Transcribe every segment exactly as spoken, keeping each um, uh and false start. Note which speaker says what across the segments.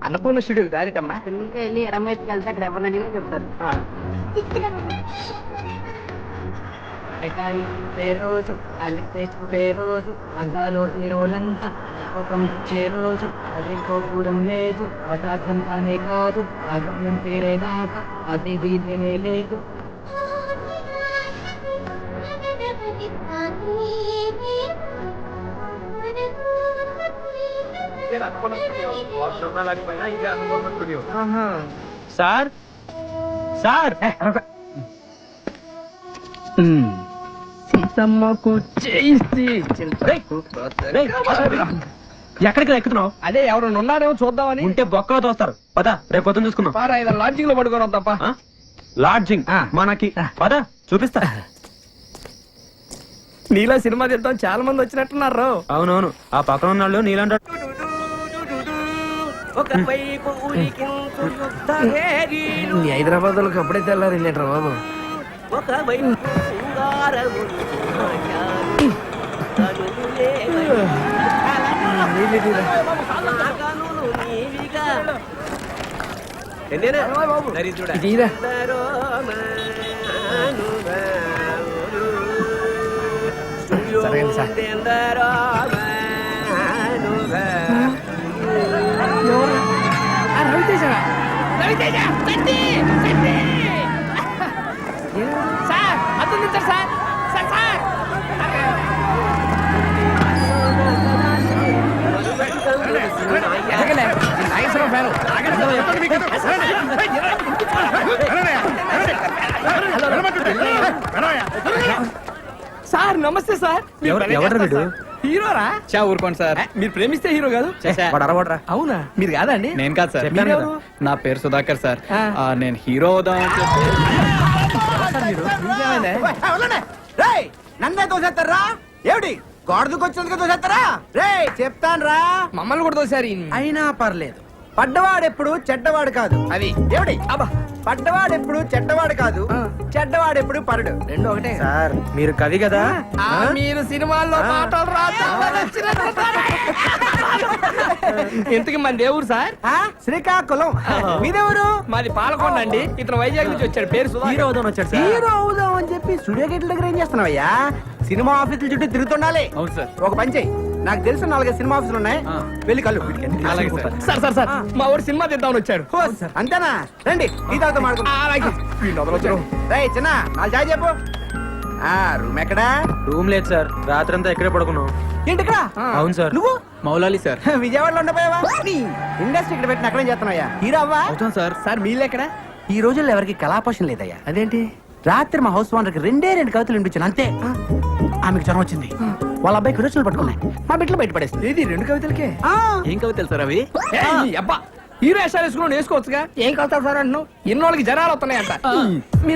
Speaker 1: Annapurna studio దారిటమ్మా.
Speaker 2: ఇంకా వెళ్ళి ఎడమ వైపుకి వెళ్తే అక్కడ ఎవరిని అడిగినా చెప్తారు. రోజు అల్లి రోజు అందాలో ఈ రోజంతా రోజు అది కోపూరం లేదు పదార్థం అనే కాదు అగమ్యం పేరే దాకా అది దీనినే లేదు.
Speaker 1: సార్ సార్ సీతమ్మకు చేసి ఎక్కడికి ఎక్కుతున్నావు? అదే ఎవరు ఉన్నారేమో చూద్దామని. ఉంటే బొక్కలో తోస్తారు. పద రేపు పొద్దున చూసుకుందాం. పారా ఏదో లాడ్జింగ్ లో పడుకోవడం తప్ప. లాడ్జింగ్ మనకి పద చూపిస్తా. నీలో సినిమా తీద్దాం చాలా మంది వచ్చినట్టున్నారు. అవునవును, ఆ పక్కన ఉన్నాళ్ళు నీలంట. హైదరాబాద్ లోకి అప్పుడే తెల్లారు వెళ్ళారు బాబు. రవితేజ రవితేజ సార్ అతను సార్ సార్ సార్ సార్ నమస్తే సార్. హీరోరా? చా ఊరుకోండి సార్, మీరు ప్రేమిస్తే హీరో కాదు. అవునా? మీరు కాదా అండి?
Speaker 3: నేను కాదు సార్, నా పేరు సుధాకర్ సార్. నేను హీరో అవుదామని చెప్పి.
Speaker 1: నన్నే తోసేస్తారా ఏమిటి? గోడకు వచ్చినందుకు తోసేస్తారా? రే చెప్తాను రా, మమ్మల్ని కూడా తోసారు. అయినా పర్లేదు, పడ్డవాడెప్పుడు చెడ్డవాడు కాదు. అది ఏమిటి? అబ్బా, పడ్డవాడెప్పుడు చెడ్డవాడు కాదు, చెడ్డవాడెప్పుడు పరుడు. రెండు ఒకటే సార్. మీరు కవి కదా, మీరు సినిమాల్లో మాటలు రాదు. ఇంతకి మన దేవుడు సార్ శ్రీకాకుళం. మీదెవరు? మాది పాలకొండ అండి. ఇతను వైజాగ్ నుంచి వచ్చాడు. పేరు హీరో అవుదాం వచ్చాడు. హీరో అవుదాం అని చెప్పి స్టూడియో గేట్ల దగ్గర ఏం చేస్తున్నావయ్యా? సినిమా ఆఫీసుల చుట్టూ తిరుగుతుండాలి. అవును సార్. ఒక పని చెయ్యి, నాకు తెలిసిన నాలుగైదు సినిమా ఆఫీసులు ఉన్నాయి, వెళ్ళి కళ్ళు. సార్ సార్ సార్ మా ఊరు సినిమా తీద్దామని వచ్చాడు. అంతేనా? రండి ఈ తాత మాడుకుంటా. చిన్న నాలుగు చాయ్ చెప్పు. రూమ్ ఎక్కడా? రూమ్ లేదు సార్, రాత్రి అంతా ఎక్కడే పడుకున్నావు. ఏంటి? అవును సార్. నువ్వు
Speaker 3: మౌలాలి సార్.
Speaker 1: విజయవాడలో ఉండపోయావా? ఇండస్ట్రీ ఇక్కడ పెట్టిన అక్కడేం చేస్తున్నాయా? హీరో అవ్వా?
Speaker 3: అవుతాం సార్.
Speaker 1: సార్ మీళ్ళు ఎక్కడ? ఈ రోజుల్లో ఎవరికి కళాపోషణ లేదయ్యా. అదేంటి? రాత్రి మా హౌస్ ఓనర్కి రెండే రెండు కవితలు వినిపించాను, అంతే. ఆమెకు జ్వరం వచ్చింది, వాళ్ళ అబ్బాయికి విరోచనలు పట్టుకున్నాయి, మా బిడ్డలు బయట పడేస్తుంది. ఇది రెండు కవితలకే.
Speaker 3: ఏం కవితలు సార్ అవి?
Speaker 1: అబ్బా, హీరో వేషాలు వేసుకుని వేసుకోవచ్చుగా. ఏం కలుతారు సార్ అంటున్నావు? ఎన్నోళ్ళకి జనాలు వస్తున్నాయంట. మీరు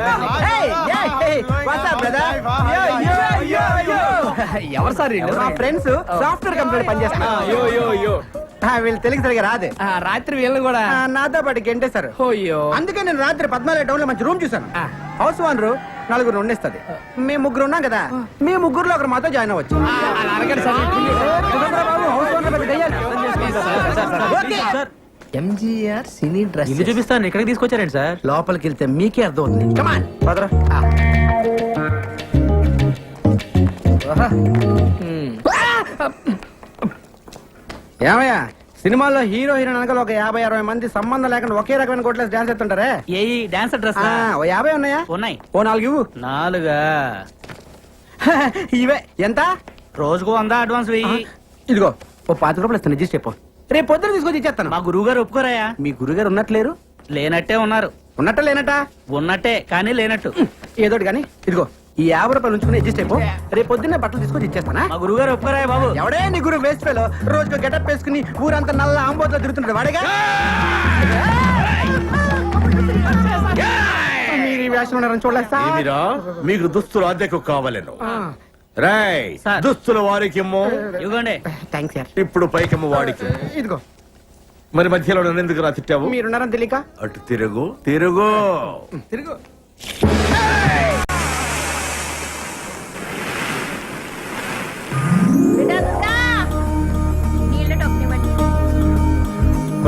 Speaker 1: ఎవరు సార్? మా ఫ్రెండ్స్ సాఫ్ట్వేర్ కంపెనీ పనిచేస్తున్నారు. వీళ్ళు తెలుగు సరిగా రాదు. రాత్రి వీళ్ళని కూడా నాతో పాటు గెంటేశారు. అందుకే నేను రాత్రి పద్నాలుగు టౌన్ లో మంచి రూమ్ చూసాను. హౌస్ ఓనర్ నలుగురు ఉండేస్తుంది, మేము ముగ్గురు ఉన్నాం కదా, మీ ముగ్గురులో ఒకరు మాతో జాయిన్ అవ్వచ్చు. ఎంజీఆర్ సినీ డ్రెస్ ఇల్లు చూపిస్తాను. ఎక్కడికి తీసుకొచ్చారండి సార్? లోపలికి వెళ్తే మీకే అర్థం అవుతుంది. కమాన్ పదరా. ఏమయ్యా, సినిమాల్లో హీరో హీరోయిన్ అనగా ఒక యాభై అరవై మంది సంబంధం లేకుండా ఒకే రకమైన కొట్లేసి డాన్స్ ఎత్తుంటారే.
Speaker 3: ఏ డాన్సర్ డ్రెస్?
Speaker 1: ఓ యాభై ఉన్నాయా?
Speaker 3: ఉన్నాయి.
Speaker 1: ఓ నాలుగు ఇవ్వు.
Speaker 3: నాలుగా?
Speaker 1: ఇవే ఎంత?
Speaker 3: రోజుకు వంద అడ్వాన్స్ వెయ్యి.
Speaker 1: ఇదిగో ఓ పాతిక రూపాయలు ఇస్తాను, అడ్జస్ట్ చెప్పు. రేపు పొద్దున తీసుకొచ్చి ఇచ్చేస్తాను.
Speaker 3: మా గురువు గారు ఒప్పుకోరాయా?
Speaker 1: మీ గురుగారు ఉన్నట్లేరు?
Speaker 3: లేనట్టే ఉన్నారు.
Speaker 1: ఉన్నట్ట లేనట్ట?
Speaker 3: ఉన్నట్టే కానీ లేనట్టు.
Speaker 1: ఏదోటి కానీ ఇదిగో ఈ యాభై రూపాయలు ఉంచుకుని అడ్జస్ట్ అయిపో. రేపు పొద్దున్నే బట్టలు తీసుకొచ్చి ఇచ్చేస్తానా?
Speaker 3: మా గురువు గారు ఒప్పుకోరాయా బాబు?
Speaker 1: ఎవడే నీ గురువు? వేస్ట్ ఫెలో, రోజుకు గెటప్ వేసుకుని ఊరంతా నల్ల ఆంబోతో తిరుగుతుంటాడు వాడేగా. మీరు ఈ వేషం ఉన్నారని చూడలేస్తా.
Speaker 4: మీకు దుస్తులు అద్దెకు కావాలను. రాయ్ దుస్తుల వారికి
Speaker 3: ఇవ్వండి.
Speaker 1: Thanks sir.
Speaker 4: ఇప్పుడు పైకెమ్మ వాడికి.
Speaker 1: ఇదిగో.
Speaker 4: మరి మధ్యలో నన్ను ఎందుకు రా తిట్టావు?
Speaker 1: మీరున్నారని తెలియక.
Speaker 4: అటు తిరుగు తిరుగు
Speaker 1: తిరుగు.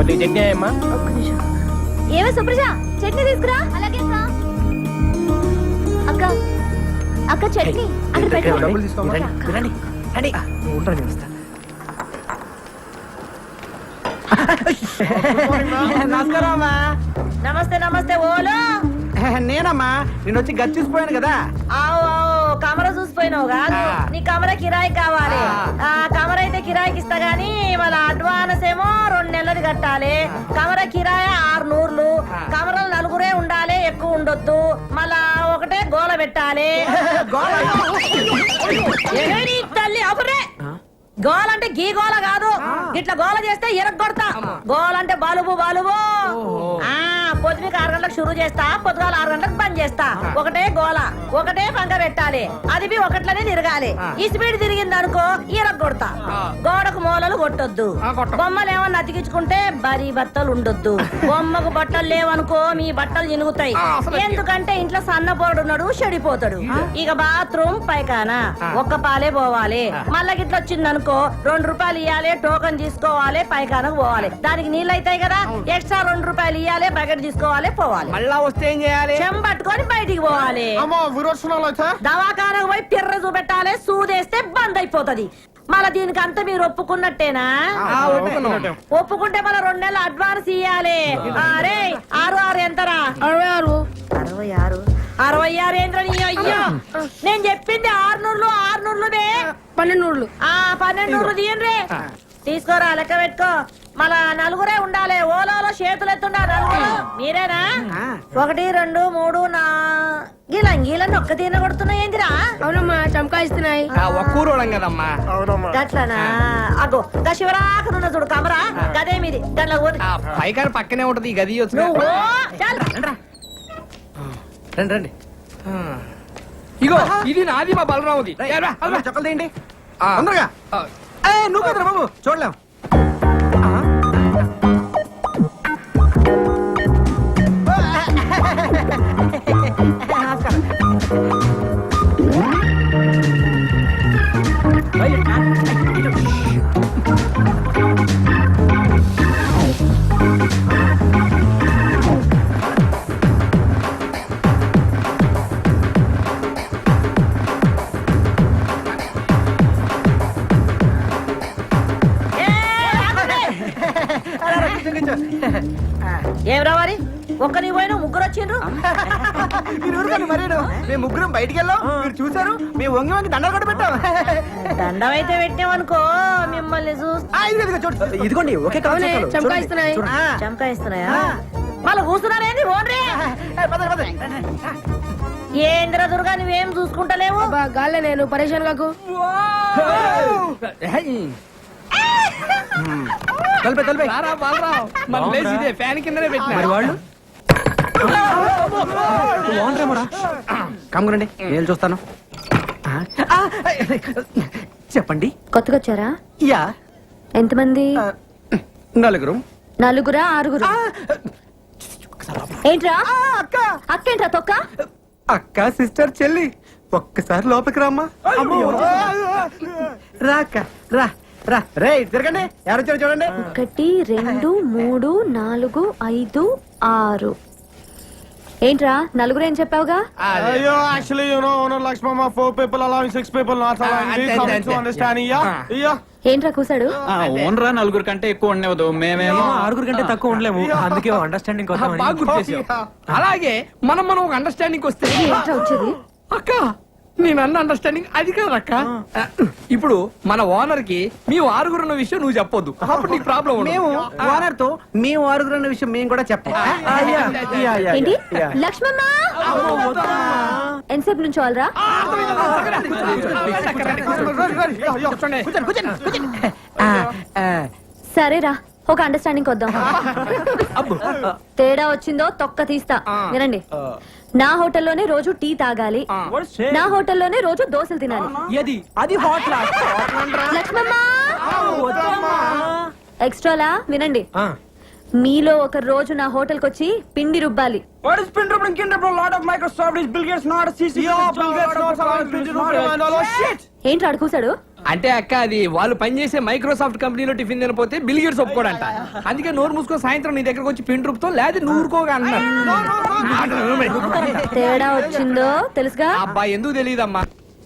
Speaker 1: కొద్దిగా చట్నీ అమ్మా.
Speaker 5: ఏమే సుప్రజ చట్నీ తీసుకురా. అలాగే అక్క అక్క చట్నీ అక్కడ పెట్టు.
Speaker 1: నమస్కారం అమ్మా.
Speaker 6: నమస్తే నమస్తే ఓలో.
Speaker 1: నేనమ్మా నేను వచ్చి గచ్చిపోయాను కదా.
Speaker 6: ఆవు ఆవు కమర చూసిపోయినావు కాదు, నీ కమర కిరాయి కావాలి. ఆ కమర అయితే కిరాయికి ఇస్తా గానీ వాళ్ళ అడ్వాన్స్ ఏమో రెండు నెలలు కట్టాలి. కమర కిరాయి ఆరు నూర్లు. కమరలు నలుగురే ఉండాలి, ఎక్కువ ఉండొద్దు. మళ్ళా ఒకటే గోల పెట్టాలి. ఏమే నీ తల్లి అబురే, గోల అంటే గీ గోల కాదు, ఇట్లా గోల చేస్తే ఎరగొడతా. గోల అంటే బలుబు బలుబు. ఆ పొద్దుకి ఆరు గంటలకు షురు చేస్తా, పొద్దుగాల ఆరు గంటలకు బంద్ చేస్తా. ఒకటే గోల, ఒకటే పంక పెట్టాలి. అది బి ఒకట్లనే తిరగాలి. ఈ స్పీడ్ తిరిగింది అనుకో ఎరగొడతా. గోడకు మూలలు కొట్టొద్దు. బొమ్మలు ఏమన్నా అతికించుకుంటే బరీ బట్టలు ఉండొద్దు. బొమ్మకు బట్టలు లేవనుకో మీ బట్టలు చినుగుతాయి. ఎందుకంటే ఇంట్లో సన్నపోరుడున్నాడు, చెడిపోతాడు. ఇక బాత్రూమ్ పైకానా ఒక్క పాలే పోవాలి. మళ్ళా గిట్ల వచ్చిందనుకో రెండు రూపాయలు ఇవ్వాలి, టోకన్ తీసుకోవాలి, పైకానకు పోవాలి. దానికి నీళ్ళు అవుతాయి కదా, ఎక్స్ట్రా రెండు రూపాయలు ఇవ్వాలి, బకెట్ తీసుకోవాలి, పోవాలి.
Speaker 1: మళ్ళా వస్తే ఏం చేయాలి?
Speaker 6: చెంబట్టుకొని బయటికి పోవాలి. దవాఖానకు పోయి పిర్ర చూపెట్టాలి. సూదేస్తే బంద్ అయిపోతది. మళ్ళా దీనికి అంతా మీరు ఒప్పుకున్నట్టేనా? ఒప్పుకుంటే మళ్ళీ రెండు నెలలు అడ్వాన్స్ ఇయ్యాలి. అరే ఆరు ఆరు ఎంతరా? అరవై ఆరు అరవై ఆరు అరవై ఆరు ఏంద్రని? అయ్యో నేను చెప్పింది ఆరు నూర్లు ఆరు నూర్లు పన్నెండు నూర్లు. ఆ పన్నెండు నూర్లు తీయండి. తీసుకోరా, లెక్క పెట్టుకో. మళ్ళా నలుగురే ఉండాలి. ఓలోలో చేతులు ఎత్తుండా నలుగురు. మీరేనా? ఒకటి రెండు మూడు నా గీలా గీలని ఒక్క తీన కొడుతున్నాయి ఏందిరా?
Speaker 5: అవునమ్మా చమకాయిస్తున్నాయి.
Speaker 1: ఒక్కూరోళం కదమ్మా.
Speaker 6: గట్లనా? అగో గా శివరాకనున్న చూడు కమరా, గదే మీది. గట్ల
Speaker 1: పైకారు పక్కనే ఉంటది ఈ గది.
Speaker 6: నువ్వు చాలు.
Speaker 1: రండి రండి. ఇగో ఇది నాది, మా బలరాముది.
Speaker 7: చెప్పలు తీయండి తొందరగా. నువ్వు కదరా బాబు, చూడలేం.
Speaker 6: ఏం రావాలి? ఒక్క నీ పోయినా ముగ్గురు వచ్చిండ్రు.
Speaker 7: మరేను మేము ముగ్గురం బయటికి వెళ్ళాం, మీరు చూసారు. మేము వంగి వంగి దండలు కూడా పెట్టాం.
Speaker 6: దండం అయితే పెట్టామనుకో మిమ్మల్ని చూస్తా.
Speaker 7: ఇదిగోండి ఒకే
Speaker 5: చమకాయిస్తున్నాయి.
Speaker 6: చంకాయిస్తున్నాయా? మళ్ళీ కూర్చున్నారేంది? ఓన్రే ఏంద్ర దుర్గా, నువ్వేం చూసుకుంటలేవు.
Speaker 5: గాల్లే నేను పరేషాన్ కాకు.
Speaker 7: తలపే తలపే.
Speaker 1: మన ప్లేస్ ఇదే, ఫ్యాన్ కిందనే పెట్టిన.
Speaker 7: మరి వాళ్ళు కమ్మునండి, నేను చూస్తాను. చెప్పండి.
Speaker 5: కొత్తగా వచ్చారా?
Speaker 7: యా.
Speaker 5: ఎంతమంది?
Speaker 7: నలుగురు.
Speaker 5: నలుగురా ఆరుగురు? ఏంట్రా
Speaker 7: అక్క
Speaker 5: అక్క ఏంట్రా తొక్క?
Speaker 7: అక్క సిస్టర్ చెల్లి ఒక్కసారి లోపలికి రామ్మా. రా అక్క రా రా. రే తిరగండి, ఎవరు వచ్చారు చూడండి.
Speaker 5: ఒకటి రెండు మూడు నాలుగు ఐదు ఆరు. ఏంట్రా నలుగురు ఏం చెప్పావుగా?
Speaker 8: Yo, actually, you know, owner likes mama, four people allowing six people not allowing.
Speaker 1: అంతే,
Speaker 8: We come
Speaker 1: అంతే,
Speaker 8: to understanding, yeah? Yeah.
Speaker 5: ఏంట్రా కూసాడు?
Speaker 3: ఓన్రా నలుగురు కంటే ఎక్కువ ఉండేవద్దు. మేమేమో
Speaker 7: ఆరుగురు కంటే తక్కువ ఉండలేము, అందుకే అండర్స్టాండింగ్.
Speaker 1: బాగా గుర్తు చేసావు. అలాగే మనం మనం ఒక అండర్స్టాండింగ్ వస్తే.
Speaker 5: ఏంట్రా వచ్చేది?
Speaker 1: అక్క నేను అన్న అండర్స్టాండింగ్ అది కాదక్క. ఇప్పుడు మన ఓనర్ కి మీ ఆరుగురు ఉన్న విషయం నువ్వు చెప్పొద్దు, అప్పుడు నీకు ప్రాబ్లం ఉండదు.
Speaker 7: మేము ఓనర్ తో మేము ఆరుగురు అన్న విషయం మేము కూడా చెప్పాం.
Speaker 5: ఏంటి లక్ష్మమ్మ ఎంతసేపు నుంచి వాళ్ళరా? సరేరా ఒక అండర్స్టాండింగ్ వద్దాం. తేడా వచ్చిందో తొక్క తీస్తా. వినండి, నా హోటల్లోనే రోజు టీ తాగాలి, నా హోటల్లోనే రోజు దోశలు తినాలి.
Speaker 7: అది హాట్
Speaker 5: లక్ష్మమ్మ ఎక్స్ట్రాలా వినండి, మీలో ఒక రోజు నా హోటల్ కి వచ్చి పిండి రుబ్బాలి. ఏంటి అడుగుసాడు?
Speaker 1: అంటే అక్క అది వాళ్ళు పనిచేసే మైక్రోసాఫ్ట్ కంపెనీలో టిఫిన్ తినపోతే బిల్ గేట్స్ ఒప్పుకోడంట. అందుకే నోరు మూసుకొని సాయంత్రం నీ దగ్గరకు వచ్చి పిండి రూపుతో లేదా నువ్వు ఊరుకోగా అన్నాడు.
Speaker 5: తేడా వచ్చిందో తెలుసుగా.
Speaker 1: అబ్బా ఎందుకు తెలియదమ్మా.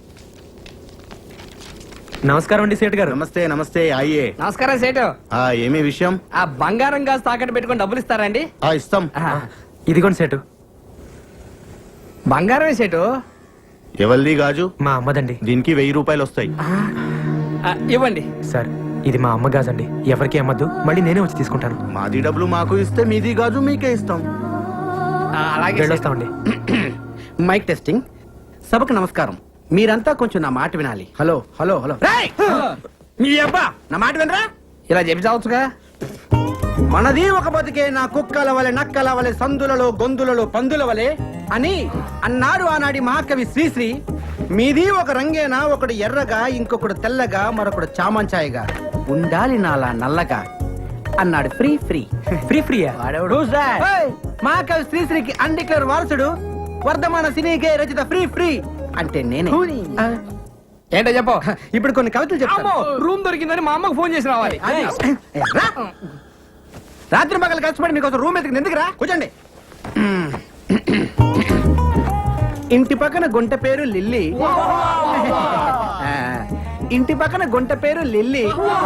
Speaker 7: నమస్కారం అండి సేటు గారు.
Speaker 9: నమస్తే నమస్తే అయ్యే.
Speaker 1: నమస్కారం సేటు.
Speaker 9: ఆ ఏమి విషయం?
Speaker 1: ఆ బంగారం గాజు తాకట్టు పెట్టుకొని డబ్బులు ఇస్తారండి?
Speaker 9: ఆ ఇస్తాం.
Speaker 7: ఇదిగోండి సేటు.
Speaker 1: బంగారమే సేటు.
Speaker 9: ఎవరిది గాజు?
Speaker 7: మా అమ్మదండి.
Speaker 9: దీనికి వెయ్యి రూపాయలు వస్తాయి.
Speaker 1: ఆ, ఇవ్వండి.
Speaker 7: సార్ ఇది మా అమ్మ గాజండి, ఎవరికి అమ్మద్దు, మళ్ళీ నేనే వచ్చి తీసుకుంటాను.
Speaker 9: మాది డబ్బులు మాకు ఇస్తే మీది గాజు మీకే ఇస్తాం.
Speaker 1: ఆ, అలాగే సేటు.
Speaker 7: వెళ్ళొస్తామండి.
Speaker 1: Mic testing. సభకు నమస్కారం. మీరంతా కొంచెం నా మాట వినాలి. హలో హలో హలో రేయ్! మీ అబ్బా నా మాట వినరా? ఇలా చెప్పి చావచ్చుగా. మనది ఒక బతికే నా కుక్కల వలె నక్కల వలె సందులలో గొంతులలో పందుల వలె అని అన్నారు ఆనాడి మహాకవి శ్రీశ్రీ. మీది ఒక రంగేనా, ఒకడు ఎర్రగా, ఇంకొకడు తెల్లగా, మరొకడు చామంచాయగా, ఉండాలి నాలా నల్లగా అన్నాడు ఫ్రీ ఫ్రీ
Speaker 7: ఫ్రీ ఫ్రీయా?
Speaker 1: ఏయ్! మహాకవి శ్రీశ్రీకి అన్డిక్లేర్ వారసుడు, వర్ధమాన సినీకే రచిత ఫ్రీ ఫ్రీ అంటే నేనే. ఆ, ఏంటో చెప్పు. ఇప్పుడు కొన్ని కవితలు చెప్పు. రూమ్ దొరికిందని మా అమ్మకు ఫోన్ చేసి రావాలి. రా. రాత్రి పగలు కష్టపడి మీకోసం రూమ్ ఎత్తుకుని ఎందుకురా? కూర్చోండి. ఇంటి పక్కన గుంట పేరు లిల్లీ. ఆ, ఇంటి పక్కన గుంట పేరు లిల్లీ.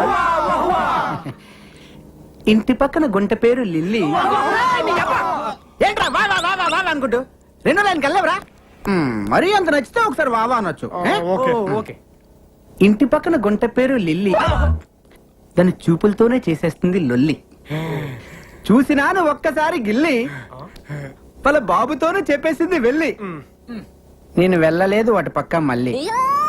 Speaker 1: ఇంటి పక్కన గుంట పేరు లిల్లీ. ఏంట్రా వా వా వా వా వా అనుకుంటూ రెండో లైన్కి వెళ్ళవరా? మరీ అంత నచ్చితే ఒకసారి వావా అనొచ్చు. ఏ?
Speaker 7: ఓకే.
Speaker 1: ఇంటి పక్కన గుంట పేరు లిల్లీ, దాని చూపులతోనే చేసేస్తుంది లొల్లి. చూసినాను ఒక్కసారి గిల్లి, వాళ్ళ బాబుతోనే చెప్పేసింది వెళ్ళి. నేను వెళ్ళలేదు వాటి పక్క మళ్ళీ.